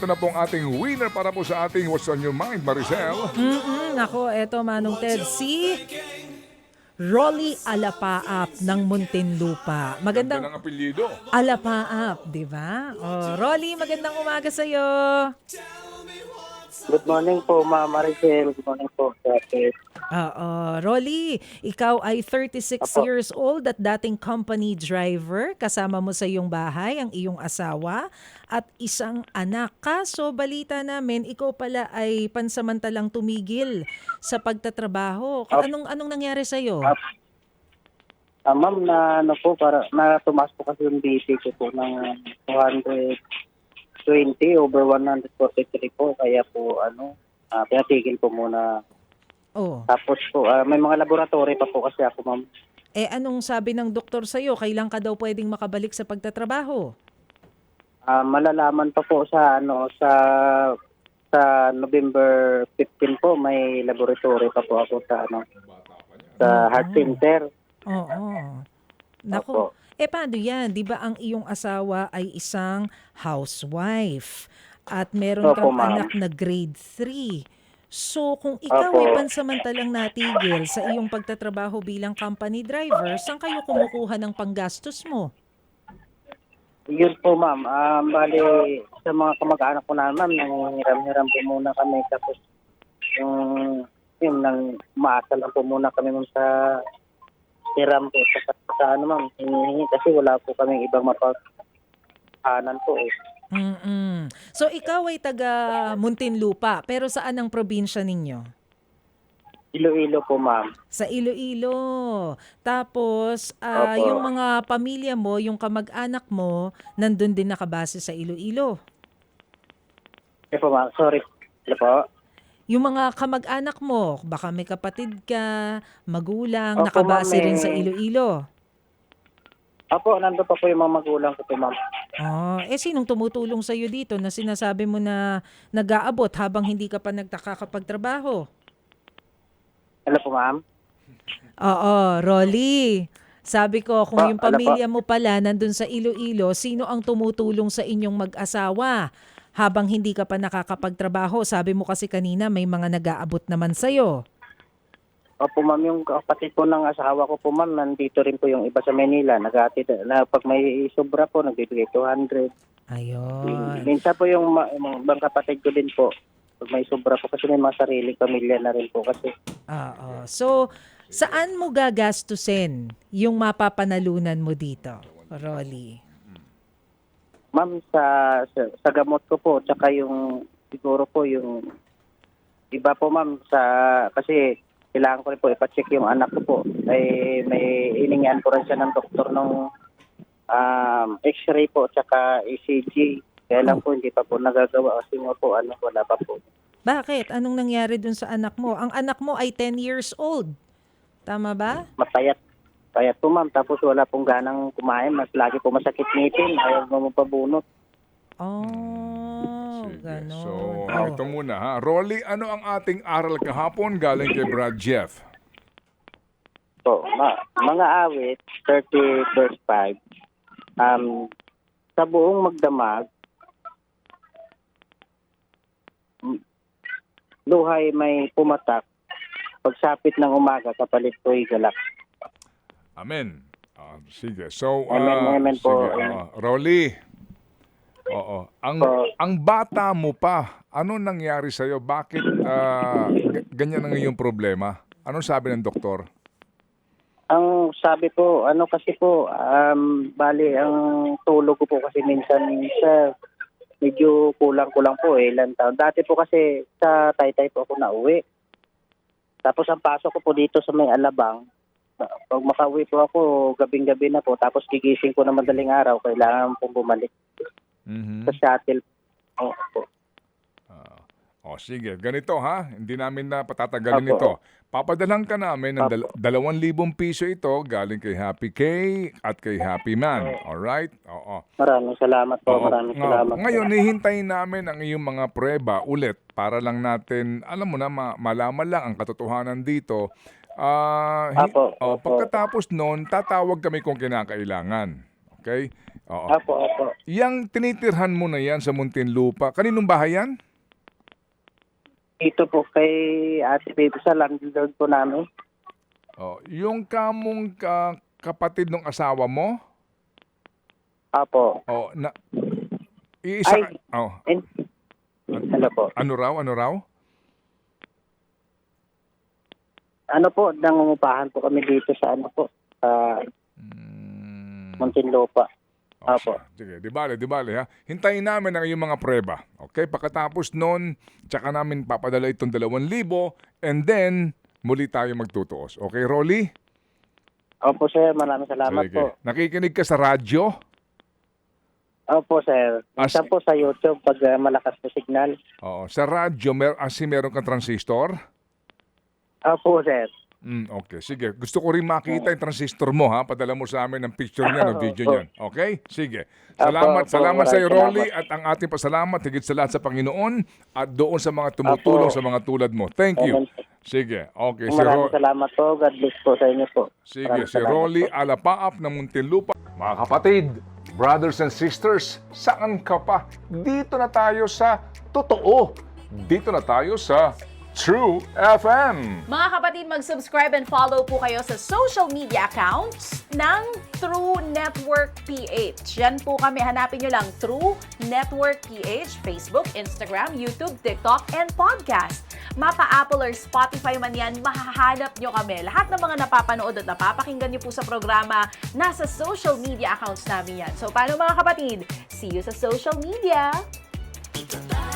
ito na pong ating winner para po sa ating What's on Your Mind, Maricel. Nako, eto Manong Ted, si Rolly Alapaap ng Muntinlupa. Ganda Magandang ng apelyido. Alapaap, di ba? Oh, Rolly, magandang umaga sa'yo. Good morning po, Ma'am Maricel. Good morning po, Sir. Oo, Rolly, ikaw ay 36 Apo. years old at dating company driver. Kasama mo sa iyong bahay ang iyong asawa at isang anak. Kaso balita namin, ikaw pala ay pansamantalang tumigil sa pagtatrabaho. Anong nangyari sa iyo? Ma'am, na ano po, para na tumaas po kasi yung BP ko po ng 220 over 143 po. Kaya po, pinatigil po muna. Oh. Tapos po, may mga laboratory pa po kasi ako, ma'am. Anong sabi ng doktor sa iyo? Kailan ka daw pwedeng makabalik sa pagtatrabaho? Malalaman pa po sa November 15 po, may laboratory pa po ako sa heart center. Oo. Opo. Naku, paano yan? Di ba ang iyong asawa ay isang housewife at meron Opo, kang ma'am. anak na grade 3. So kung ikaw Opo. ay pansamantalang natigil sa iyong pagtatrabaho bilang company driver, saan kayo kumukuha ng panggastos mo? Yun po, ma'am. Bali, sa mga kamag-anak ko na, ma'am, nanghiram-hiram po muna kami. Tapos, nang umaasa lang po muna kami, ma'am, sa hiram po. Sa ma'am, hinihingi kasi wala po kami ibang mapaghanan po eh. So ikaw ay taga Muntinlupa, pero saan ang probinsya ninyo? Iloilo po, ma'am. Sa Iloilo. Tapos, Opo. yung mga pamilya mo, yung kamag-anak mo, nandun din nakabase sa Iloilo. Po, ma'am. Sorry. Ano po? Yung mga kamag-anak mo, baka may kapatid ka, magulang, Opo, nakabase ma'am, rin sa Iloilo. Opo, nandun pa po yung mga magulang ko po, ma'am. Sinong tumutulong sa iyo dito na sinasabi mo na nag-aabot habang hindi ka pa nagtakakapagtrabaho? Ano po, ma'am? Oo, Rolly. Sabi ko, kung yung Ano po? pamilya mo pala nandun sa Iloilo, sino ang tumutulong sa inyong mag-asawa habang hindi ka pa nakakapagtrabaho? Sabi mo kasi kanina may mga nag-aabot naman sa'yo. Opo, ma'am, yung kapatid po ng asawa ko po, ma'am, nandito rin po yung iba sa Manila. Nag-atid na pag may sobra po, nagbibigay 200. Ayun. Minsan po yung ibang kapatid ko din po, pag may sobra po kasi may mga sariling pamilya na rin po kasi. Oo. So, saan mo gagastusin yung mapapanalunan mo dito, Rolly? Ma'am, sa gamot ko po, tsaka yung siguro po yung iba po, ma'am, kasi kailangan ko rin po ipacheck yung anak ko po. May iningan po rin siya ng doktor ng x-ray po, tsaka ECG. Kaya lang po hindi pa po nagagawa kasi nga po wala pa po. Bakit? Anong nangyari dun sa anak mo? Ang anak mo ay 10 years old. Tama ba? Payat po, ma'am. Tapos wala pong ganang kumain. Mas lagi po masakit ngipin. Ayaw mo pabunot. Sige. Ganon. So, ito muna ha. Rolly, ano ang ating aral kahapon galing kay Brad Jeff? So, mga awit, 30 verse 5. Sa buong magdamag, luhay may pumatak. Pagsapit ng umaga, kapalit ko'y galak. Amen. Sige. So, Amen po. sige, Rolly. Oo. Ang bata mo pa, ano nangyari sa'yo? Bakit ganyan ang iyong problema? Anong sabi ng doktor? Ang sabi po, kasi po, bali, ang tulog ko po kasi minsan medyo kulang-kulang po ilang taon. Dati po kasi sa Taytay po ako nauwi. Tapos ang pasok ko po dito sa may Alabang, pag makauwi po ako, gabing-gabi na po. Tapos gigising ko na madaling araw, kailangan pong bumalik sa shuttle. Po. Sige. Ganito ha. Hindi namin na patatagalin Opo. ito. Papadalhan ka namin ng 2,000 piso ito galing kay Happy K at kay Happy Man. Alright? Oo. Maraming salamat po. Oo. Maraming salamat po. Ngayon, hihintayin namin ang iyong mga prueba ulit para lang natin, alam mo na, malaman lang ang katotohanan dito. Opo. Pagkatapos noon, tatawag kami kung kinakailangan. Okay? Oo. Opo. Yang tinitirhan mo na yan sa Muntinlupa, kaninong bahay yan? Dito po kay Ate Baby sa landlord po namin. Oh, yung kamong kapatid ng asawa mo? Opo. Oh, iisa Ay. oh, Hello po. ano raw? Ano po, nangungupahan po kami dito sa ano po, sa Muntinlupa. Opo. Sige, di bale ha. Hintayin namin ang iyong mga prueba. Okay? Pagkatapos noon, tsaka namin papadala itong 2,000 and then muli tayo magtutuos. Okay, Rolly? Opo, sir. Maraming salamat Sige. po. Nakikinig ka sa radyo? Opo, sir. Minsan po sa YouTube pag malakas na signal. Oo. Sa radyo, meron kang transistor? Opo, sir. Okay, sige. Gusto ko rin makita yung transistor mo, ha? Padala mo sa amin ng picture niya, ng video niyan. Okay? Sige. Salamat sa iyo, Rolly, at ang ating pasalamat higit sa lahat sa Panginoon at doon sa mga tumutulong sa mga tulad mo. Thank you. Sige. Okay, Maraming salamat po. God bless po sa inyo po. Sige, Maraming si salamat Rolly po. Alapaap ng Muntinlupa. Mga kapatid, brothers and sisters, saan ka pa? Dito na tayo sa totoo. Dito na tayo sa True FM. Mga kapatid, mag-subscribe and follow po kayo sa social media accounts ng True Network PH. Yan po kami. Hanapin nyo lang True Network PH, Facebook, Instagram, YouTube, TikTok, and podcast. Mapa Apple or Spotify man yan, mahahanap nyo kami. Lahat ng mga napapanood at napapakinggan nyo po sa programa, nasa social media accounts namin yan. So, paano mga kapatid? See you sa social media!